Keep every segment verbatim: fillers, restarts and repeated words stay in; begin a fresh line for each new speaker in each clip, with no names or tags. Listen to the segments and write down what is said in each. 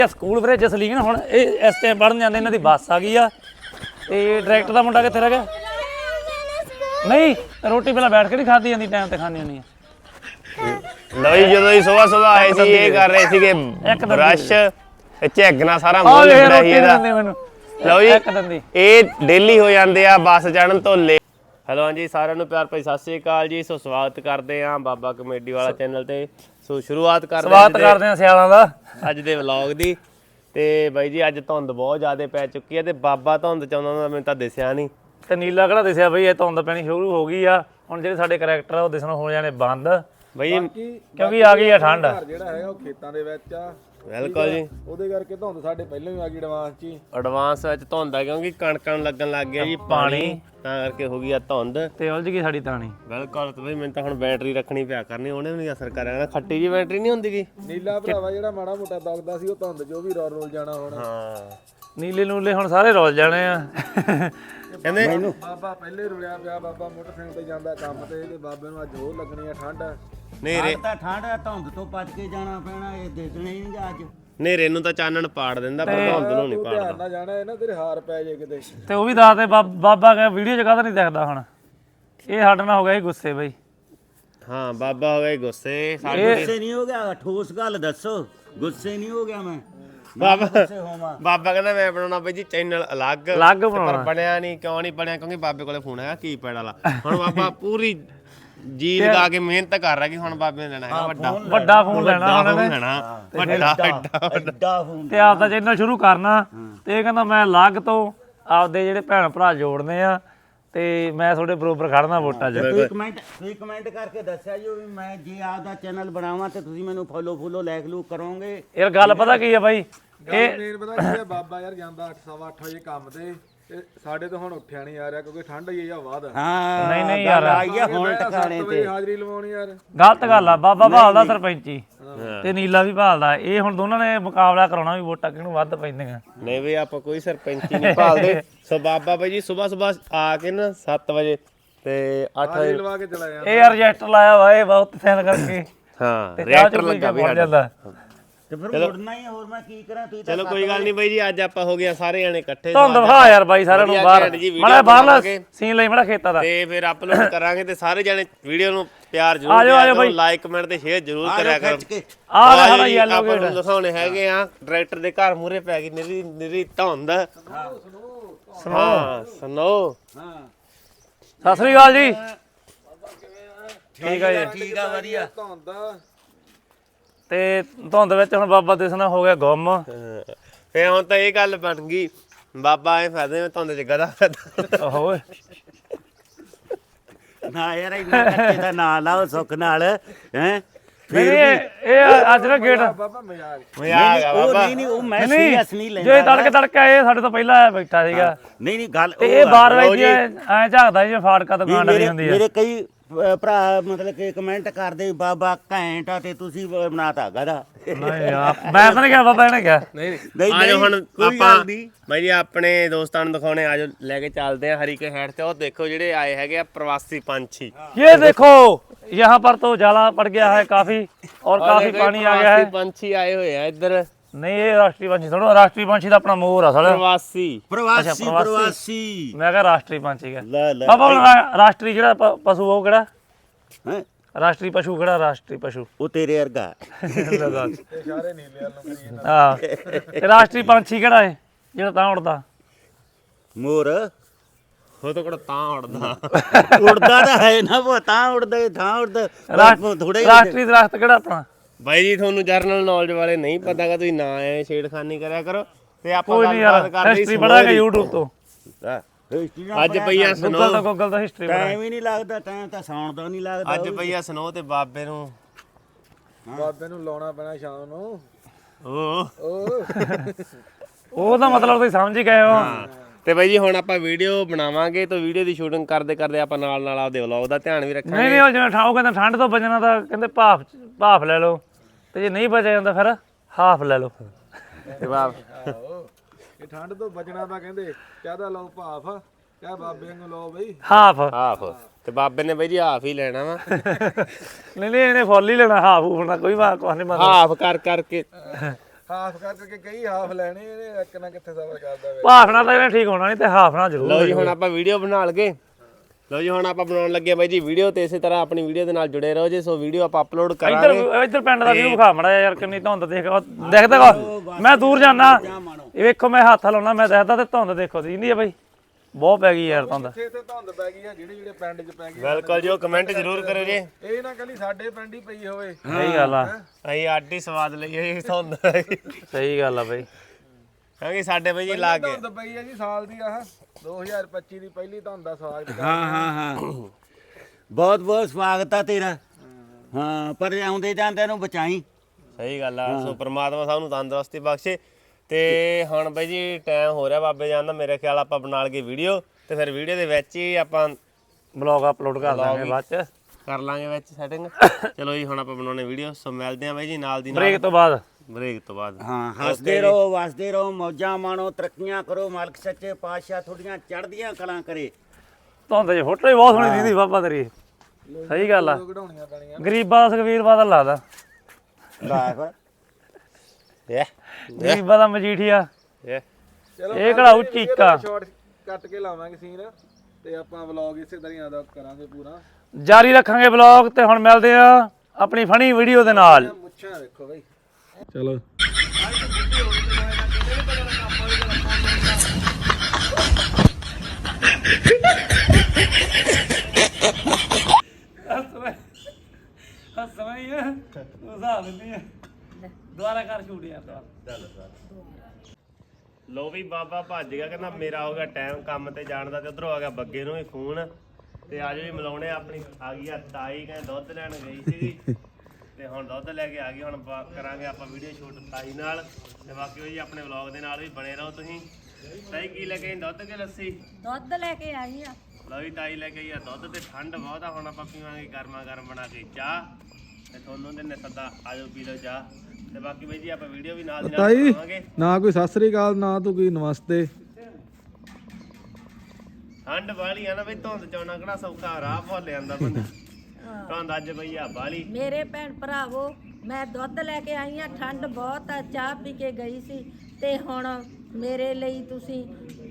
School ਵੀਰੇ ਜਸਲੀਨ ਹੁਣ ਇਹ ਇਸ ਟਾਈਮ ਪੜ੍ਹਨ ਜਾਂਦੇ, ਇਹਨਾਂ ਦੀ ਬੱਸ ਆ ਗਈ ਆ ਤੇ ਡਾਇਰੈਕਟਰ ਦਾ ਮੁੰਡਾ ਕਿੱਥੇ ਰਹਿ ਗਿਆ? ਨਹੀਂ ਰੋਟੀ ਪਹਿਲਾਂ ਬੈਠ ਕੇ ਨਹੀਂ ਖਾਦੀ ਜਾਂਦੀ, ਟਾਈਮ ਤੇ ਖਾਣੀ ਹੁੰਦੀ ਆ।
ਲਓ ਜੀ ਜਦੋਂ ਹੀ ਸਵੇਰ ਸਵੇਰ ਆਏ ਸੀ ਇਹ ਕਰ ਰਹੇ ਸੀਗੇ ਬ੍ਰਸ਼ ਝੱਗਣਾ ਸਾਰਾ ਮੂੰਹ ਲਿਬੜਾ ਸੀ ਇਹਦਾ। ਲਓ ਜੀ ਇਹ ਡੇਲੀ ਹੋ ਜਾਂਦੇ ਆ ਬੱਸ ਚੜਨ ਤੋਂ ਲੇ। ਹੈਲੋ ਹਾਂਜੀ ਸਾਰਿਆਂ ਨੂੰ ਪਿਆਰ ਭਰੀ ਸਤਿ ਸ੍ਰੀ ਅਕਾਲ ਜੀ। ਸੋ ਸਵਾਗਤ ਕਰਦੇ ਆ ਬਾਬਾ ਕਮੇਡੀ ਵਾਲਾ ਚੈਨਲ ਤੇ। ਸੋ ਸ਼ੁਰੂਆਤ ਕਰਦੇ
ਸਵਾਗਤ ਕਰਦੇ ਆ ਸਿਆਲਾਂ ਦਾ
ਅੱਜ ਦੇ ਵਲੌਗ ਦੀ। ਤੇ ਬਾਈ ਜੀ ਅੱਜ ਧੁੰਦ ਬਹੁਤ ਜ਼ਿਆਦਾ ਪੈ ਚੁੱਕੀ ਹੈ ਤੇ ਬਾਬਾ ਧੁੰਦ ਚ ਆਉਂਦਾ ਮੈਨੂੰ ਤਾਂ ਦਿਸਿਆ ਨਹੀਂ
ਤੇ ਨੀਲਾ ਕਿਹੜਾ ਦਿਸਿਆ ਬਈ? ਇਹ ਧੁੰਦ ਪੈਣੀ ਸ਼ੁਰੂ ਹੋ ਗਈ ਆ ਹੁਣ। ਜਿਹੜੇ ਸਾਡੇ ਕਰੈਕਟਰ ਆ ਉਹ ਦਿਸਣੋਂ ਹੋ ਜਾਣੇ ਬੰਦ ਬਈ, ਕਿਉਂਕਿ ਆ ਗਈ ਆ ਠੰਡ।
ਜਿਹੜਾ ਹੈਗਾ ਉਹ ਖੇਤਾਂ ਦੇ ਵਿੱਚ ਆ।
ਬਿਲਕੁਲ ਜੀ,
ਉਹਦੇ ਕਰਕੇ ਧੁੰਦ ਸਾਡੇ ਪਹਿਲਾਂ ਹੀ ਆ ਗਈ ਐਡਵਾਂਸ ਚ ਹੀ।
ਐਡਵਾਂਸ ਵਿੱਚ ਧੁੰਦ ਆ ਕਿਉਂਕਿ ਕਣਕਾਂ ਨੂੰ ਲੱਗਣ ਲੱਗ ਗਿਆ ਜੀ ਪਾਣੀ, ਤਾਂ ਕਰਕੇ ਹੋ ਗਈ ਆ ਧੁੰਦ
ਤੇ ਉਲਝ ਗਈ ਸਾਡੀ ਤਾਣੀ।
ਬਿਲਕੁਲ ਬਈ ਮੈਨੂੰ ਤਾਂ ਹੁਣ ਬੈਟਰੀ ਰੱਖਣੀ ਪਿਆ ਕਰਨੀ, ਉਹਨੇ ਵੀ ਨਹੀਂ ਅਸਰ ਕਰਿਆ। ਖੱਟੀ ਜੀ ਬੈਟਰੀ ਨਹੀਂ ਹੁੰਦੀ ਗੀ
ਨੀਲਾ ਭਰਾਵਾ ਜਿਹੜਾ ਮਾੜਾ ਮੋਟਾ ਦਗਦਾ ਸੀ ਉਹ ਧੁੰਦ ਜੋ ਵੀ ਰੋਲ ਰੋਲ ਜਾਣਾ ਹੁਣ।
ਹਾਂ
ਨੀਲੇ ਨੂਲੇ ਹੁਣ ਸਾਰੇ ਰੁੱਲ ਜਾਣੇ ਆ।
ਕਹਿੰਦੇ
ਬਾਬਾ ਪਹਿਲੇ ਰੁਲਿਆ ਪਿਆ, ਬਾਬਾ ਮੋਟਰਸਾਈਕਲ ਤੇ ਜਾਂਦਾ ਕੰਮ ਤੇ, ਤੇ ਬਾਬੇ ਨੂੰ ਅੱਜ ਹੋਰ ਲੱਗਣੀ ਆ ਠੰਡ।
ਨੇਰੇ
ਤਾਂ ਠੰਡ ਆ, ਧੁੰਦ ਤੋਂ ਬਚ ਕੇ ਜਾਣਾ ਪੈਣਾ, ਇਹ ਦੇਖਣਾ ਹੀ ਨਹੀਂ ਅੱਜ।
ਨੇਰੇ ਨੂੰ ਤਾਂ ਚਾਨਣ ਪਾੜ ਦਿੰਦਾ ਪਰ ਧੁੰਦ ਨੂੰ ਨਹੀਂ
ਧਿਆਨ
ਪਾੜਦਾ।
ਨਾਲ ਜਾਣਾ ਇਹਨਾਂ ਤੇਰੇ ਹਾਰ ਪੈ ਜੇ ਕਿਤੇ।
ਤੇ ਉਹ ਵੀ ਦੱਸਦੇ ਬਾਬਾ ਕਹੇ ਵੀਡੀਓ ਚ ਕਾਹਦਾ ਨਹੀਂ ਦਿਖਦਾ ਹੁਣ। ਇਹ ਸਾਡੇ ਨਾਲ ਹੋ ਗਿਆ ਸੀ ਗੁੱਸੇ ਬਈ।
ਹਾਂ ਬਾਬਾ ਹੋ ਗਏ ਗੁੱਸੇ ਸਾਡੇ।
ਗੁੱਸੇ ਨਹੀਂ ਹੋ ਗਿਆ, ਠੋਸ ਗੱਲ ਦੱਸੋ। ਗੁੱਸੇ ਨਹੀਂ ਹੋ ਗਿਆ ਮੈਂ।
ਬਾਬਾ
ਗੁੱਸੇ ਹੋਵਾਂ
ਬਾਬਾ ਕਹਿੰਦਾ ਮੈਂ ਬਣਾਉਣਾ ਬਈ ਜੀ ਚੈਨਲ ਅਲੱਗ
ਅਲੱਗ
ਪਰ
ਬਣਾਉਣਾ।
ਬਣਿਆ ਨਹੀਂ। ਕਿਉਂ ਨਹੀਂ ਬਣਿਆ? ਕਿਉਂਕਿ ਬਾਬੇ ਕੋਲੇ ਫੋਨ ਹੈਗਾ ਕੀਪੈਡ ਵਾਲਾ। ਹੁਣ ਬਾਬਾ ਪੂਰੀ ਜੀ ਲਗਾ ਕੇ ਮਿਹਨਤ ਕਰ ਰਿਹਾ ਕਿ ਹੁਣ ਬਾਬੇ ਨੇ ਲੈਣਾ ਹੈਗਾ ਵੱਡਾ
ਵੱਡਾ ਫੋਨ ਲੈਣਾ ਉਹਨਾਂ ਨੇ,
ਲੈਣਾ ਵੱਡਾ ਐਡਾ
ਐਡਾ ਫੋਨ
ਤੇ ਆਪਦਾ ਚੈਨਲ ਸ਼ੁਰੂ ਕਰਨਾ। ਤੇ ਇਹ ਕਹਿੰਦਾ ਮੈਂ ਅਲੱਗ ਤੋਂ ਆਪਦੇ ਜਿਹੜੇ ਭੈਣ ਭਰਾ ਜੋੜਨੇ ਆ ਤੇ ਮੈਂ ਤੁਹਾਡੇ ਬਰੋਬਰ ਖੜਨਾ ਵੋਟਾਂ 'ਚ।
ਤੁਸੀਂ ਕਮੈਂਟ ਤੁਸੀਂ ਕਮੈਂਟ ਕਰਕੇ ਦੱਸਿਆ ਜੀ ਵੀ ਮੈਂ ਜੇ ਆਪਦਾ ਚੈਨਲ ਬਣਾਵਾਂ ਤੇ ਤੁਸੀਂ ਮੈਨੂੰ ਫੋਲੋ ਫੋਲੋ ਲਾਈਕ ਲੂਕ ਕਰੋਗੇ।
ਯਾਰ ਗੱਲ ਪਤਾ ਕੀ ਆ ਬਾਈ, ਇਹ
ਮੇਨ ਪਤਾ ਕੀ ਆ, ਬਾਬਾ ਯਾਰ ਜਾਂਦਾ ਅੱਠ ਸਵਾ ਅੱਠ ਵਜੇ ਕੰਮ ਤੇ, ਤੇ ਸਾਡੇ ਤੋਂ ਹੁਣ ਉੱਠਿਆ ਨਹੀਂ ਆ ਰਿਹਾ ਕਿਉਂਕਿ ਠੰਡ ਹੀ ਆ ਵੱਧ।
ਹਾਂ
ਨਹੀਂ ਨਹੀਂ ਯਾਰ
ਆਈ ਆ ਹੁਣ ਟਿਕਾਣੇ ਤੇ।
ਹਾਜ਼ਰੀ ਲਵਾਉਣੀ ਯਾਰ
ਗਲਤ ਗੱਲ ਆ। ਬਾਬਾ ਭਾਲਦਾ ਸਰਪੰਚੀ ਤੇ ਨੀਲਾ ਵੀ ਭਾਲਦਾ। ਇਹ ਹੁਣ ਦੋਨਾਂ ਨੇ ਮੁਕਾਬਲਾ ਕਰਾਉਣਾ ਵੀ ਵੋਟਾਂ ਕਿਹਨੂੰ ਵੱਧ ਪੈਂਦੀਆਂ।
ਨਹੀਂ ਵੀ ਆਪਾਂ ਕੋਈ ਸਰਪੰਚੀ ਨਹੀਂ ਭਾਲਦੇ। ਸੋ ਬਾਬਾ ਬਾਈ ਜੀ ਸਵੇਰ ਸਵੇਰ ਆ ਕੇ ਨਾ ਸੱਤ ਵਜੇ ਤੇ ਅੱਠ ਵਜੇ
ਲਵਾ ਕੇ ਚਲਾ ਜਾਂਦਾ।
ਇਹ ਯਾਰ ਰਜਿਸਟਰ ਲਾਇਆ ਵਾ ਇਹ ਬਹੁਤ ਸੈਨ ਕਰਕੇ।
ਹਾਂ
ਤੇ
ਰਿਐਕਟਰ ਲੱਗਾ ਵੀ ਸਾਡਾ।
ਤੇ ਫਿਰ ਮੁੜਨਾ ਹੀ, ਹੋਰ ਮੈਂ ਕੀ ਕਰਾਂ? ਤੁਸੀਂ
ਚਲੋ ਕੋਈ ਗੱਲ ਨਹੀਂ ਬਾਈ ਜੀ, ਅੱਜ ਆਪਾਂ ਹੋ ਗਏ ਸਾਰੇ ਜਣੇ ਇਕੱਠੇ।
ਤੁਹਾਨੂੰ ਦਿਖਾ ਯਾਰ ਬਾਈ ਸਾਰਿਆਂ ਨੂੰ ਬਾਹਰ ਮਾੜਾ ਬਾਹਰਲਾ ਸੀਨ ਲਈ ਮਾੜਾ ਖੇਤਾਂ ਦਾ।
ਤੇ ਫਿਰ ਅਪਲੋਡ ਕਰਾਂਗੇ ਤੇ ਸਾਰੇ ਜਣੇ ਵੀਡੀਓ ਨੂੰ ਪਿਆਰ ਜ਼ਰੂਰ ਦਿਆ ਕਰੋ, ਲਾਈਕ ਕਮੈਂਟ ਤੇ ਸ਼ੇਅਰ ਜ਼ਰੂਰ ਕਰਿਆ ਕਰੋ।
ਆਹ ਸਾਡਾ ਯੈਲੋ
ਆਪਾਂ ਨੂੰ ਦਿਖਾਉਣੇ ਹੈਗੇ ਆ ਡਾਇਰੈਕਟਰ ਦੇ ਘਰ ਮੂਹਰੇ ਪੈ ਗਈ ਨਿਰੀ ਨਿਰੀ ਧੁੰਦ। ਹਾਂ ਸੁਣੋ।
ਹਾਂ
ਸਤਿ ਸ੍ਰੀ ਅਕਾਲ ਜੀ। ਠੀਕ ਆ ਜੀ,
ਠੀਕ ਆ ਵਧੀਆ।
ਧੁੰਦ
ਤੇ ਧੁੰਦ ਵਿੱਚ ਹੁਣ ਬਾਬਾ ਦਿਸਣਾ ਹੋ ਗਿਆ ਗੁੰਮ।
ਫੇ ਹੁਣ ਤਾਂ ਇਹ ਗੱਲ ਬਣ ਗਈ ਬਾਬਾ ਐ ਫਾਇਦੇ ਵਿੱਚ ਧੁੰਦ ਚ ਗਦਾ ਫਿਰਦਾ।
ਓਏ
ਨਾ ਯਾਰ ਇੰਨਾ ਕੱਟੇ ਦਾ ਨਾਂ ਲਾਓ ਸੁੱਖ ਨਾਲ ਹੈ।
ਨਹੀਂ ਇਹ ਇਹ ਅੱਜ ਨਾ ਗੇਟ
ਬਾਬਾ ਮਜ਼ਾਕ
ਮਜ਼ਾਕ ਆ
ਉਹ
ਬਾਬਾ।
ਨਹੀਂ ਨਹੀਂ ਉਹ ਮੈਂ
ਨਹੀਂ
ਸੀਰੀਅਸ ਨਹੀਂ ਲੈਂਦਾ।
ਜੇ ਤੜਕੇ ਤੜਕੇ ਆਏ ਸਾਡੇ ਤੋਂ ਪਹਿਲਾਂ ਆਇਆ ਬੈਠਾ ਸੀਗਾ
ਨਹੀਂ ਨਹੀਂ ਗੱਲ
ਤੇ ਇਹ ਬਾਰ ਵਜੇ ਐ ਝਾਕਦਾ ਜਿਵੇਂ ਫਾਟਕਾ ਦੁਕਾਨ ਵਾਲੀ ਹੁੰਦੀ ਆ।
ਮੇਰੇ ਕਈ ਅਹ, ਭਰਾ ਮਤਲਬ ਕਿ ਕਮੈਂਟ ਕਰਦੇ ਬਾਬਾ ਘੈਂਟ ਆ ਤੇ ਤੁਸੀਂ ਬਣਾਤਾ ਗਦਾ।
ਨਹੀਂ ਯਾਰ ਮੈਂ ਤਾਂ ਨਹੀਂ ਕਿਹਾ, ਬਾਬਾ ਇਹਨੇ ਕਿਹਾ।
ਨਹੀਂ
ਨਹੀਂ,
ਆਜੋ ਹੁਣ
ਕੋਈ
ਆਪਾਂ
ਗੱਲ ਨਹੀਂ।
ਬਾਈ ਜੀ ਆਪਣੇ ਦੋਸਤਾਂ ਨੂੰ ਦਿਖਾਉਣੇ ਆਜੋ ਲੈ ਕੇ ਚੱਲਦੇ ਆ ਹਰੀਕੇ ਹੈਡ ਤੇ। ਉਹ ਦੇਖੋ ਜਿਹੜੇ ਆਏ ਹੈਗੇ ਆ ਪ੍ਰਵਾਸੀ ਪੰਛੀ।
ये देखो यहाँ पर तो जाला पड़ गया है काफी और काफी पानी आ गया है।
ਪੰਛੀ ਆਏ ਹੋਏ ਆ ਇੱਧਰ।
नहीं ये राष्ट्रीय पंछी थोड़ा, राष्ट्रीय पंछी तो अपना मोर है साला।
ਪ੍ਰਵਾਸੀ
ਪ੍ਰਵਾਸੀ
ਪ੍ਰਵਾਸੀ।
ਪ੍ਰਵਾਸੀ
मैं कहा राष्ट्रीय पंछी का
ਲੈ ਲੈ
बाबा रा- राष्ट्रीय ਜਿਹੜਾ ਪ- ਪਸ਼ੂ ਉਹ ਕਿਹੜਾ?
ਹੈਂ?
ਰਾਸ਼ਟਰੀ ਪਸ਼ੂ ਕਿਹੜਾ? ਰਾਸ਼ਟਰੀ ਪਸ਼ੂ
ਉਹ ਤੇਰੇ ਵਰਗਾ।
ਸਾਰੇ ਨੀਲੇ ਵੱਲ ਨੂੰ ਕਰੀ ਜਾਂਦਾ।
ਹਾਂ ਤੇ ਰਾਸ਼ਟਰੀ ਪੰਛੀ ਕਿਹੜਾ ਹੈ ਜਿਹੜਾ ਤਾਂ ਉੜਦਾ?
ਮੋਰ
ਉਹ ਤਾਂ ਕੋਲ ਤਾਂ ਉੜਦਾ।
ਉੜਦਾ ਤਾਂ ਹੈ ਨਾ, ਉਹ ਤਾਂ ਉੜਦਾ ਥਾਂ ਉੜਦਾ ਥੋੜੇ।
ਰਾਸ਼ਟਰੀ ਦਰਖਤ ਕਿਹੜਾ ਆਪਣਾ?
ਬਾਈ ਜੀ ਤੁਹਾਨੂੰ ਜਰਨਲ ਨੌਲੇਜ ਵਾਲੇ ਨਹੀਂ ਪਤਾਗਾ, ਤੁਸੀਂ ਨਾ ਐ ਛੇੜਖਾਨੀ ਕਰਿਆ ਕਰੋ। ਤੇ ਆਪਾਂ
ਕੋਈ ਨਹੀਂ ਯਾਰ,
ਗੱਲਬਾਤ ਕਰਦੇ
ਹਿਸਟਰੀ ਪੜਾਂਗੇ YouTube ਤੋਂ।
ਅੱਜ ਪਈਆ ਸੁਣੋ,
ਗੂਗਲ ਤੋਂ ਗੂਗਲ ਤੋਂ ਹਿਸਟਰੀ ਪੜਾਂਗੇ।
ਟਾਈਮ ਹੀ ਨਹੀਂ ਲੱਗਦਾ, ਟਾਈਮ ਤਾਂ ਸੌਣ ਦਾ ਨਹੀਂ ਲੱਗਦਾ।
ਅੱਜ ਪਈਆ ਸੁਣੋ ਤੇ ਬਾਬੇ ਨੂੰ
ਬਾਬੇ ਨੂੰ ਲਾਉਣਾ ਪੈਣਾ ਸ਼ਾਮ ਨੂੰ।
ਉਹ
ਉਹ
ਉਹਦਾ ਮਤਲਬ ਤੁਸੀਂ ਸਮਝ ਹੀ ਗਏ ਹੋ।
ਤੇ ਬਾਈ ਜੀ ਹੁਣ ਆਪਾਂ ਵੀਡੀਓ ਬਣਾਵਾਂਗੇ ਤੇ ਵੀਡੀਓ ਦੀ ਸ਼ੂਟਿੰਗ ਕਰਦੇ ਕਰਦੇ ਆਪਾਂ ਨਾਲ ਨਾਲ ਆਪਦੇ ਵਲੌਗ ਦਾ ਧਿਆਨ ਵੀ ਰੱਖਾਂਗੇ।
ਨਹੀਂ ਨਹੀਂ ਉਹ ਜਿਵੇਂ ਠਾਓ ਕਹਿੰਦਾ ਠੰਡ ਤੋਂ ਬਚਣਾ ਤਾਂ ਕਹਿੰਦੇ ਭਾਫ ਭਾਫ ਲੈ ਲਓ, ਤੇ ਜੇ ਨਹੀਂ ਬਚਿਆ ਜਾਂਦਾ ਫਿਰ ਹਾਫ ਲੈ ਲਓ।
ਤੇ ਬਾਬ
ਆਹੋ ਇਹ ਠੰਡ ਤੋਂ ਬਚਣਾ ਤਾਂ ਕਹਿੰਦੇ ਕਹਦਾ ਲਓ ਭਾਫ, ਕਹ ਬਾਬੇ ਨੂੰ ਲਓ ਬਈ
ਹਾਫ।
ਹਾਫ ਤੇ ਬਾਬੇ ਨੇ ਬਾਈ ਜੀ ਹਾਫ ਹੀ ਲੈਣਾ ਵਾ।
ਨਹੀਂ ਨਹੀਂ ਇਹਨੇ ਫੁੱਲ ਹੀ ਲੈਣਾ, ਹਾਫ ਹੋਣਾ ਕੋਈ ਬਾਤ ਕੁਛ ਨਹੀਂ ਮੰਨਦਾ।
ਹਾਫ ਕਰ ਕਰਕੇ
ਹਾਫ ਕਰਕੇ ਕਈ ਹਾਫ ਲੈਣੇ ਇਹਨੇ ਇੱਕ ਨਾ ਕਿੱਥੇ ਸਬਰ ਕਰਦਾ ਵੇ
ਭਾਫਣਾ ਤਾਂ ਇਹਨੇ ਠੀਕ ਹੋਣਾ ਨਹੀਂ ਤੇ ਹਾਫਣਾ ਜ਼ਰੂਰ
ਲਓ ਜੀ ਹੁਣ ਆਪਾਂ ਵੀਡੀਓ ਬਣਾ ਲਗੇ ਲਓ ਜੀ ਹੁਣ ਆਪਾਂ ਬਣਾਉਣ ਲੱਗੇ ਬਾਈ ਜੀ ਵੀਡੀਓ ਤੇ ਇਸੇ ਤਰ੍ਹਾਂ ਆਪਣੀ ਵੀਡੀਓ ਦੇ ਨਾਲ ਜੁੜੇ ਰਹੋ ਜੀ ਸੋ ਵੀਡੀਓ ਆਪਾਂ ਅਪਲੋਡ ਕਰਾਂਗੇ
ਇੱਧਰ ਇੱਧਰ ਪਿੰਡ ਦਾ ਵੀਊ ਵਿਖਾ ਮੜਾ ਯਾਰ ਕਿੰਨੀ ਧੁੰਦ ਦੇਖ ਉਹ ਦੇਖਦਾ ਕੋ ਮੈਂ ਦੂਰ ਜਾਣਾ ਇਹ ਵੇਖੋ ਮੈਂ ਹੱਥ ਲਾਉਣਾ ਮੈਂ ਦੇਖਦਾ ਤੇ ਧੁੰਦ ਦੇਖੋ ਦੀਂਦੀ ਆ ਬਾਈ ਬਹੁਤ ਪੈ ਗਈ ਯਾਰ ਧੁੰਦ
ਇੱਥੇ ਤੇ ਧੁੰਦ ਪੈ ਗਈ ਆ ਜਿਹੜੇ ਜਿਹੜੇ ਪਿੰਡ 'ਚ ਪੈ ਗਈ
ਬਿਲਕੁਲ ਜੀ ਉਹ ਕਮੈਂਟ ਜ਼ਰੂਰ ਕਰਿਓ ਜੀ
ਇਹ ਨਾ ਕੱਲੀ ਸਾਡੇ ਪਿੰਡ ਹੀ ਪਈ ਹੋਵੇ
ਸਹੀ ਗੱਲ ਆ
ਅਸੀਂ ਅੱਡ ਹੀ ਸਵਾਦ ਲਈਏ ਇਹ ਧੁੰਦ
ਸਹੀ ਗੱਲ ਆ ਬਾਈ
ਕਿਉਂਕਿ ਸਾਡੇ ਬਾਈ ਜੀ ਲਾ ਕੇ
ਧੁੰਦ ਪਈ ਆ ਜੀ ਸਾਲ ਦੀ ਆਹ ਦੋ ਹਜ਼ਾਰ ਪੱਚੀ ਦੀ ਪਹਿਲੀ ਧੁੰਦ ਦਾ ਸਵਾਗਤ
ਹਾਂ ਹਾਂ ਹਾਂ ਬਹੁਤ ਬਹੁਤ ਸਵਾਗਤ ਆ ਤੇਰਾ ਹਾਂ ਪਰ ਆਉਂਦੇ ਜਾਂਦੇ ਨੂੰ ਬਚਾਈ
ਸਹੀ ਗੱਲ ਆ ਸੋ ਪ੍ਰਮਾਤਮਾ ਸਭ ਨੂੰ ਤੰਦਰੁਸਤੀ ਬਖਸ਼ੇ ਤੇ ਹੁਣ ਬਾਈ ਜੀ ਟਾਈਮ ਹੋ ਰਿਹਾ ਬਾਬੇ ਜਾਨ ਦਾ ਮੇਰੇ ਖਿਆਲ ਆਪਾਂ ਬਣਾ ਲਈਏ ਵੀਡੀਓ ਤੇ ਫਿਰ ਵੀਡੀਓ ਦੇ ਵਿੱਚ ਹੀ ਆਪਾਂ
ਬਲੌਗ ਅਪਲੋਡ ਕਰ ਦਾਂਗੇ ਬਾਅਦ ਚ
ਕਰ ਲਾਂਗੇ ਵਿੱਚ ਸੈਟਿੰਗ ਚਲੋ ਜੀ ਹੁਣ ਆਪਾਂ ਬਣਾਉਣੇ ਵੀਡੀਓ ਸੋ ਮਿਲਦੇ ਆਂ ਬਾਈ ਜੀ ਨਾਲ ਦੀ ਨਾਲ
ਬ੍ਰੇਕ ਤੋਂ ਬਾਅਦ
ਬ੍ਰੇਕ ਤੋਂ ਬਾਅਦ
ਹਾਂ ਹੱਸਦੇ ਰਹੋ ਵਸਦੇ ਰਹੋ ਮੌਜਾਂ ਮਾਣੋ ਤਰੱਕੀਆਂ ਕਰੋ ਮਾਲਕ ਸੱਚੇ ਪਾਤਸ਼ਾਹ ਤੁਹਾਡੀਆਂ ਚੜ੍ਹਦੀਆਂ ਕਲਾਂ ਕਰੇ
ਧੁੰਦ ਜੇ ਫੋਟੋ ਹੀ ਬਹੁਤ ਸੋਹਣੀ ਦੀਦੀ ਬਾਬਾ ਤੇਰੀ ਸਹੀ ਗੱਲ ਆ
ਕਢਾਉਣੀਆਂ ਪੈਣੀਆਂ
ਗਰੀਬਾਂ ਦਾ ਸੁਖਵੀਰ ਬਾਦਲ ਲੱਗਦਾ
ਲੈ ਫਿਰ
ਯੇ
ਗਰੀਬਾਂ ਦਾ ਮਜੀਠੀਆ
ਯੇ
ਚਲੋ
ਇਹ ਕਿਹੜਾ ਉੱਚੀ ਇੱਕਾ
ਸ਼ਾਰਟ ਕੱਟ ਕੇ ਲਾਵਾਂਗੇ ਸੀਨ ਤੇ ਆਪਾਂ ਵਲੌਗ ਇਸੇ ਤਰ੍ਹਾਂ ਦਾ ਕਰਾਂਗੇ ਪੂਰਾ
ਜਾਰੀ ਰੱਖਾਂਗੇ ਬਲੌਗ ਤੇ ਹੁਣ ਮਿਲਦੇ ਆ ਆਪਣੀ ਫਨੀ ਵੀਡੀਓ ਦੇ ਨਾਲ
ਮੁੱਛਾਂ ਵੇਖੋ ਬਈ ਚਲੋ
ਹੱਸਣਾ ਹੀ ਆ ਹਿਸਾਬ ਦਿੰਦੀ ਆ ਦੁਬਾਰਾ ਕਰ ਸ਼ੂਟ ਯਾਰ
ਲੋ ਵੀ ਬਾਬਾ ਭੱਜ ਗਿਆ ਕਹਿੰਦਾ ਮੇਰਾ ਹੋ ਗਿਆ ਟਾਈਮ ਕੰਮ ਤੇ ਜਾਣ ਦਾ ਤੇ ਉਧਰੋਂ ਆ ਗਿਆ ਬੱਗੇ ਨੂੰ ਵੀ ਫੋਨ ਤੇ ਅੱਜ ਵੀ ਮਿਲਾਉਣੇ ਆਪਣੀ ਆ ਗਈ ਆ ਤਾਈ ਕਹਿੰਦੇ ਦੁੱਧ ਲੈਣ ਗਈ ਸੀਗੀ ਤੇ ਹੁਣ ਦੁੱਧ ਲੈ ਕੇ ਆ ਗਈ ਹੁਣ ਬਾ- ਕਰਾਂਗੇ ਆਪਾਂ ਵੀਡੀਓ ਸ਼ੂਟ ਤਾਈ ਨਾਲ ਤੇ ਬਾਕੀ ਉਹ ਜੀ ਆਪਣੇ ਵਲੌਗ ਦੇ ਨਾਲ ਵੀ ਬਣੇ ਰਹੋ ਤੁਸੀਂ ਤਾਈ ਕੀ ਲੈ ਕੇ ਆਈ ਦੁੱਧ ਕੇ ਲੱਸੀ
ਦੁੱਧ ਲੈ ਕੇ ਆਈ ਆ
ਲਓ ਵੀ ਤਾਈ ਲੈ ਕੇ ਆਈ ਆ ਦੁੱਧ ਤੇ ਠੰਡ ਬਹੁਤ ਆ ਹੁਣ ਆਪਾਂ ਪੀਵਾਂਗੇ ਗਰਮਾ ਗਰਮ ਬਣਾ ਕੇ ਚਾਹ ਤੇ ਤੁਹਾਨੂੰ ਦਿੰਨੇ ਸੱਦਾ ਆਜੋ ਪੀ ਲਓ ਚਾਹ ਤੇ ਬਾਕੀ ਬਾਈ ਜੀ ਆਪਾਂ ਵੀਡੀਓ ਵੀ ਨਾਲ ਦੀ ਨਾਲ
ਤਾਈ
ਬਣਾਵਾਂਗੇ
ਨਾ ਕੋਈ ਸਤਿ ਸ੍ਰੀ ਅਕਾਲ ਨਾ ਤੂੰ ਕੋਈ ਨਮਸਤੇ
ਠੰਡ ਵਾਲੀ ਆ ਨਾ ਬਈ ਧੁੰਦ ਚੋਣਾ ਕਿਹੜਾ ਸੌਖਾ ਰਾਹ ਭੁੱਲ ਜਾਂਦਾ ਬੰਦਾ ਧੁੰਦ ਅੱਜ ਬਈ ਆ ਬਾਲੀ
ਮੇਰੇ ਭੈਣ ਭਰਾਵੋ ਮੈਂ ਦੁੱਧ ਲੈ ਕੇ ਆਈ ਆ ਠੰਡ ਬਹੁਤ ਆ ਚਾਹ ਪੀ ਕੇ ਗਈ ਸੀ ਤੇ ਹੁਣ ਮੇਰੇ ਲਈ ਤੁਸੀਂ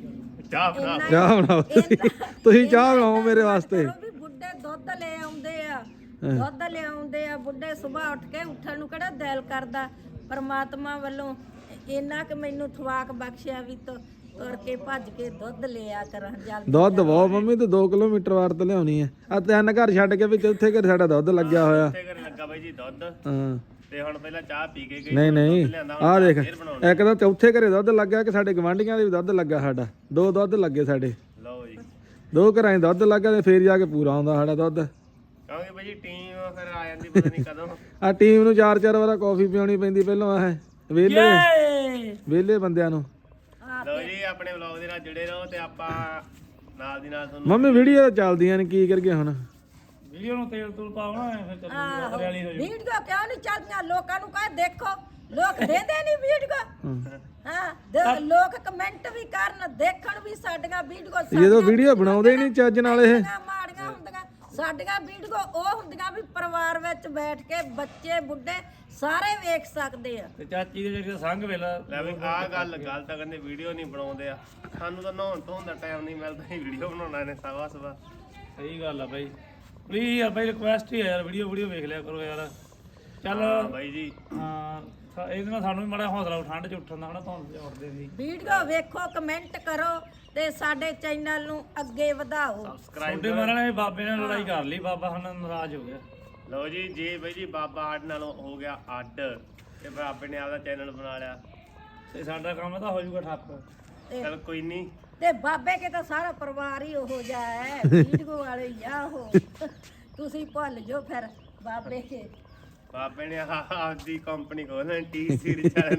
ਚਾਹ ਬਣਾ
ਇੰਨਾ-
ਚਾਹ ਬਣਾਓ ਤੁਸੀਂ
ਇੰਨਾ-
ਤੁਸੀਂ ਚਾਹ
ਇੰਨਾ
ਬਣਾਓ ਮੇਰੇ
ਇੰਨਾ
ਵਾਸਤੇ
ਕਰੋ ਵੀ ਬੁੱਢੇ ਦੁੱਧ ਲੈ ਆਉਂਦੇ ਆ ਦੁੱਧ ਲੈ ਆਉਂਦੇ ਆ ਬੁੱਢੇ ਸਵੇਰ ਉੱਠ ਕੇ ਉੱਠਣ ਨੂੰ ਕਿਹੜਾ ਦਿਲ ਕਰਦਾ ਪਰਮਾਤਮਾ ਵੱਲੋਂ ਇੰਨਾ ਕਿ ਮੈਨੂੰ ਥਵਾਕ ਬਖਸ਼ਿਆ ਵੀ ਤੋ ਤੁਰ ਕੇ ਭੱਜ ਕੇ ਦੁੱਧ ਲਿਆ ਕਰਾਂ ਜਲਦੀ
ਦੁੱਧ ਬਹੁਤ ਮੰਮੀ ਤੂੰ ਦੋ ਕਿਲੋਮੀਟਰ ਵਾਰ ਤੋਂ ਲਿਆਉਣੀ ਆ ਆ ਤਿੰਨ ਘਰ ਛੱਡ ਕੇ ਵੀ ਚੌਥੇ ਘਰ ਸਾਡਾ ਦੁੱਧ ਲੱਗਿਆ ਹੋਇਆ
ਤੇ ਕਰਨ ਲੱਗਾ ਬਾਈ ਜੀ ਦੁੱਧ
ਹਾਂ
ਤੇ ਹੁਣ ਪਹਿਲਾਂ ਚਾਹ ਪੀ ਕੇ ਗਈ
ਨਹੀਂ ਨਹੀਂ
ਲਿਆਂਦਾ ਹੁਣ
ਆਹ ਦੇਖ
ਫੇਰ ਬਣਾਉਣੀ।
ਇੱਕ ਤਾਂ ਚੌਥੇ ਘਰੇ ਦੁੱਧ ਲੱਗਾ ਕਿ ਸਾਡੇ ਗਵਾਂਢੀਆਂ ਦੇ ਵੀ ਦੁੱਧ ਲੱਗਾ ਸਾਡਾ ਦੋ ਦੁੱਧ ਲੱਗੇ ਸਾਡੇ
ਲਓ ਜੀ
ਦੋ ਘਰਾਂ 'ਚ ਦੁੱਧ ਲੱਗਾ ਤੇ ਫੇਰ ਜਾ ਕੇ ਪੂਰਾ ਆਉਂਦਾ ਸਾਡਾ ਦੁੱਧ
ਕਿਉਂਕਿ ਬਾਈ ਜੀ ਟੀਮ ਫਿਰ ਆ ਜਾਂਦੀ ਪਤਾ ਨਹੀਂ ਕਦੋਂ
ਆ ਟੀਮ ਨੂੰ ਚਾਰ ਚਾਰ ਵਾਰ ਕਾਫੀ ਪਿਉਣੀ ਪੈਂਦੀ ਪਹਿਲਾਂ ਆਹ ਵਿਹਲੇ ਵਿਹਲੇ ਬੰਦਿਆਂ ਨੂੰ
ਲਓ ਜੀ ਆਪਣੇ ਵਲੌਗ ਦੇ ਨਾਲ ਜੁੜੇ ਰਹੋ ਤੇ ਆਪਾਂ ਨਾਲ ਦੀ ਨਾਲ ਤੁਹਾਨੂੰ
ਮੰਮੀ ਵੀਡੀਓ ਤਾਂ ਚੱਲਦੀਆਂ ਨੇ ਕੀ ਕਰਗੇ ਹੁਣ
ਵੀਡੀਓ ਨੂੰ ਤੇਲ ਤੂਲ ਪਾਉਣਾ ਫਿਰ ਚੱਲੂਗਾ ਹਰਿਆਲੀ ਹੋ
ਵੀਡੀਓ ਕਿਉਂ ਨਹੀਂ ਚੱਲਦੀਆਂ ਲੋਕਾਂ ਨੂੰ ਕਹੇ ਦੇਖੋ ਲੋਕ ਦੇਦੇ ਨਹੀਂ ਵੀਡੀਓ ਹਾਂ ਦੇ- ਲੋਕ ਕਮੈਂਟ ਵੀ ਕਰਨ ਦੇਖਣ ਵੀ ਸਾਡੀਆਂ ਵੀਡੀਓ
ਜਦੋਂ ਵੀਡੀਓ ਬਣਾਉਂਦੇ ਨਹੀਂ ਚੱਜ ਨਾਲ ਇਹ
ਮਾੜੀਆਂ ਹੁੰਦੀਆਂ ਸਾਡੀਆਂ ਵੀਡੀਓ ਉਹ ਹੁੰਦੀਆਂ ਵੀ ਪਰਿਵਾਰ ਵਿੱਚ ਬੈਠ ਕੇ ਬੱਚੇ ਬੁੱਢੇ ਸਾਰੇ ਵੇਖ ਸਕਦੇ ਆ
ਤੇ ਚਾਚੀ ਦੇ ਜਿਹੜੇ ਸੰਗ ਵੇਲਾ
ਲੈ ਵੀ ਆਹ ਗੱਲ ਗੱਲ ਤਾਂ ਕਹਿੰਦੇ ਵੀਡੀਓ ਨਹੀਂ ਬਣਾਉਂਦੇ ਆ ਸਾਨੂੰ ਤਾਂ ਨਹਾਉਣ ਧੋਣ ਦਾ ਟਾਈਮ ਨਹੀਂ ਮਿਲਦਾ ਹੀ ਵੀਡੀਓ ਬਣਾਉਣਾ ਨੇ ਸਵਾ ਸਵਾ
ਸਹੀ ਗੱਲ ਆ ਬਾਈ ਪਲੀਜ਼ ਯਾਰ ਬਾਈ ਰਿਕੁਐਸਟ ਹੀ ਆ ਯਾਰ ਵੀਡੀਓ ਵੀਡੀਓ ਵੇਖ ਲਿਆ ਕਰੋ ਯਾਰ ਚੱਲ
ਹਾਂ ਬਾਈ ਜੀ
ਹਾਂ ਸਾ- ਇਹਦੇ ਨਾਲ ਸਾਨੂੰ ਵੀ ਮਾੜਾ ਹੌਸਲਾ ਉਠ- ਠੰਡ ਚ ਉੱਠਣ ਦਾ ਹਨਾ ਧੁੰਦ ਚ ਉੱਠਦੇ ਸੀ
ਵੀਡੀਓ ਵੇਖੋ ਕਮੈਂਟ ਕਰੋ ਤੇ ਸਾਡੇ ਚੈਨਲ ਨੂੰ ਅੱਗੇ ਵਧਾਓ
ਸਬਸਕ੍ਰਾਈਬ
ਛੋਟੇ ਮਹਾਰਾਜ ਨੇ ਬਾਬੇ ਨਾਲ ਲੜਾਈ ਕਰ ਲਈ ਬਾਬਾ ਹੁਣ ਨਾਰਾਜ਼ ਹੋ ਗਿਆ
ਲਓ ਜੀ ਜੇ ਬਾਈ ਜੀ ਬਾਬਾ ਸਾਡੇ ਨਾਲ ਹੋ ਗਿਆ ਅੱਡ ਤੇ ਬਾਬੇ ਨੇ ਆਪਦਾ ਚੈਨਲ ਬਣਾ ਲਿਆ
ਤੇ ਸਾਡਾ ਕੰਮ ਤਾਂ ਹੋ ਜਾਊਗਾ ਠੱਪ
ਚਲ ਕੋਈ ਨਹੀਂ
ਤੇ ਬਾਬੇ ਕੇ ਤਾਂ ਸਾਰਾ ਪਰਿਵਾਰ ਹੀ ਉਹੋ ਜਿਹਾ ਹੈ ਵੀਡੀਓ ਵਾਲੇ ਹੀ ਆ ਉਹ ਤੁਸੀਂ ਭੁੱਲ ਜਾਓ ਫਿਰ ਬਾਬੇ ਕੇ
ਬਾਬੇ ਨੇ ਆਹ ਆਪਦੀ ਕੰਪਨੀ ਖੋਲਣੀ ਟੀ ਸੀਰੀਜ਼ ਵਾਲੇ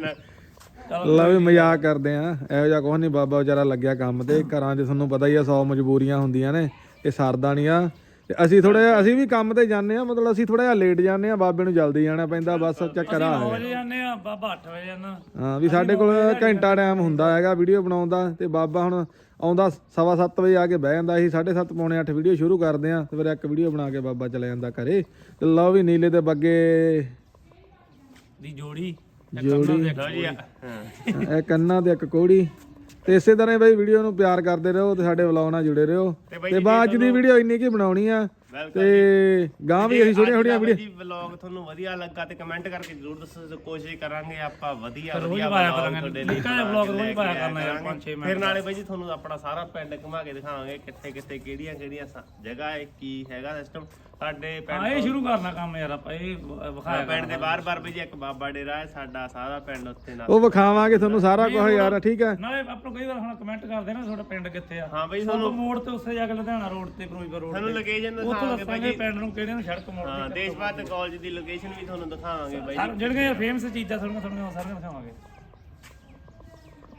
ਨਾਲ
ਲਾ ਵੀ ਮਜ਼ਾਕ ਕਰਦੇ ਆ ਇਹੋ ਜਿਹਾ ਕੁਛ ਨਹੀਂ ਬਾਬਾ ਵਿਚਾਰਾ ਲੱਗਿਆ ਕੰਮ ਤੇ ਘਰਾਂ 'ਚ ਤੁਹਾਨੂੰ ਪਤਾ ਹੀ ਆ ਸੌ ਮਜਬੂਰੀਆਂ ਹੁੰਦੀਆਂ ਨੇ ਇਹ ਸਰਦਾ ਨਹੀਂ ਆ ਤੇ ਅਸੀਂ ਥੋੜਾ ਜਿਹਾ ਅਸੀਂ ਵੀ ਕੰਮ ਤੇ ਜਾਂਦੇ ਆ ਮਤਲਬ ਅਸੀਂ ਥੋੜਾ ਜਿਹਾ ਲੇਟ ਜਾਂਦੇ ਆ ਬਾਬੇ ਨੂੰ ਜਲਦੀ ਜਾਣਾ ਪੈਂਦਾ ਬਸ ਚੱਕਰ ਆ
ਨੌ ਵਜੇ ਜਾਂਦੇ ਆ ਬਾਬਾ ਅੱਠ ਵਜੇ ਜਾਂਦਾ
ਹਾਂ ਵੀ ਸਾਡੇ ਕੋਲ ਘੰਟਾ ਟਾਈਮ ਹੁੰਦਾ ਹੈਗਾ ਵੀਡੀਓ ਬਣਾਉਣ ਦਾ ਤੇ ਬਾਬਾ ਹੁਣ ਆਉਂਦਾ ਸਵਾ ਸੱਤ ਵਜੇ ਆ ਕੇ ਬਹਿ ਜਾਂਦਾ ਅਸੀਂ ਸਾਢੇ ਸੱਤ ਪੌਣੇ ਅੱਠ ਵੀਡੀਓ ਸ਼ੁਰੂ ਕਰਦੇ ਆ ਤੇ ਫਿਰ ਇੱਕ ਵੀਡੀਓ ਬਣਾ ਕੇ ਬਾਬਾ ਚਲੇ ਜਾਂਦਾ ਘਰੇ ਤੇ ਲਓ ਵੀ ਨੀਲੇ ਦੇ ਬੱਗੇ
ਦੀ ਜੋੜੀ
ਜੋੜੀ
ਲਓ ਜੀ ਹਾਂ
ਇਹ ਕੰਨਾਂ ਤੇ ਇੱਕ ਕੋੜੀ। ਤੇ ਇਸੇ ਤਰ੍ਹਾਂ ਹੀ ਬਾਈ ਵੀਡੀਓ ਨੂੰ ਪਿਆਰ ਕਰਦੇ ਰਹੋ ਤੇ ਸਾਡੇ ਵਲੌਗ ਨਾਲ ਜੁੜੇ ਰਹੋ। ਤੇ ਬਾਅਦ ਅੱਜ ਦੀ ਵੀਡੀਓ ਇੰਨੀ ਕੀ ਬਣਾਉਣੀ ਆ ਤੇ ਗਾਂ ਵੀ ਅਸੀਂ ਛੋਟੀਆਂ ਛੋਟੀਆਂ ਵੀਡੀਓ
ਜੀ ਵਲੌਗ ਤੁਹਾਨੂੰ ਵਧੀਆ ਲੱਗਾ ਤੇ ਕਮੈਂਟ ਕਰਕੇ ਜ਼ਰੂਰ ਦੱਸੋ। ਕੋਸ਼ਿਸ਼ ਕਰਾਂਗੇ ਆਪਾਂ ਵਧੀਆ
ਰੋਜ਼
ਵਧੀਆ
ਪਾਇਆ
ਵਲੌਗ
ਕਰਾਂਗੇ
ਤੁਹਾਡੇ ਲਈ
ਨਿੱਕਾ ਜਿਹਾ ਵਲੌਗ ਰੋਜ਼ ਪਾਇਆ ਕਰਨਾ ਯਾਰ ਪੰਜ ਛੇ ਮਿੰਟ
ਫਿਰ ਨਾਲੇ ਬਾਈ ਜੀ ਤੁਹਾਨੂੰ ਆਪਣਾ ਸਾਰਾ ਪਿੰਡ ਘੁਮਾ ਕੇ ਦਿਖਾਵਾਂਗੇ ਕਿੱਥੇ ਕਿੱਥੇ ਕਿਹੜੀਆਂ ਕਿਹੜੀਆਂ ਸ- ਜਗ੍ਹਾ ਹੈ ਕੀ ਹੈਗਾ ਸਿਸਟਮ ਸਾਡੇ
ਹਾਂ
ਪਿੰਡ
ਇਹ ਸ਼ੁਰੂ ਕਰਨਾ ਕੰਮ ਯਾਰ ਆਪਾਂ ਇਹ ਵ- ਵਿਖਾਇਆ
ਪਿੰਡ ਦੇ ਬਾਰ-ਬਾਰ ਬਾਈ ਜੀ ਇੱਕ ਬਾਬਾ ਡੇਰਾ ਹੈ ਸਾਡਾ ਸਾਰਾ ਪਿੰਡ ਉੱਥੇ ਨਾਲ
ਉਹ ਵਿਖਾਵਾਂਗੇ ਤੁਹਾਨੂੰ ਸਾਰਾ ਕੁਝ ਯਾਰ, ਠੀਕ ਹੈ।
ਨਾਲੇ ਆਪਾਂ ਨੂੰ ਕਈ ਵਾਰ ਹੁਣ ਕਮੈਂਟ ਕਰਦੇ ਨਾ ਤੁਹਾਡਾ ਪਿੰਡ ਕਿੱਥੇ ਆ।
ਹਾਂ ਬਈ
ਤੁਹਾਨੂੰ ਮੋੜ ਤੇ ਉੱਥੇ ਜਾ ਕੇ ਲੁਧਿਆਣਾ ਰੋਡ ਤੇ ਫਿਰੋਜ਼ਪੁਰ ਰੋਡ
ਤੁਹਾਨੂੰ
ਤੇ
ਲੋਕੇਸ਼ਨ
ਉੱਥੋਂ
ਦਿਖਾਵਾਂਗੇ ਬਾਈ
ਦੱਸਾਂਗੇ
ਜੀ
ਪਿੰਡ ਨੂੰ ਕਿਹੜੇ ਨੂੰ ਸੜਕ ਮੋੜ
ਹਾਂ ਦੇਸ਼ ਭਾਰਤ ਕਾਲਜ ਦੀ ਲੋਕੇਸ਼ਨ ਵੀ ਤੁਹਾਨੂੰ ਦਿਖਾਵਾਂਗੇ ਬਾਈ ਜੀ
ਜਿਹੜੀਆਂ ਫੇਮਸ ਚੀਜ਼ਾਂ ਤੁਹਾਨੂੰ ਤੁਹਾਨੂੰ ਸਾਰੀਆਂ ਦਿਖਾਵਾਂਗੇ।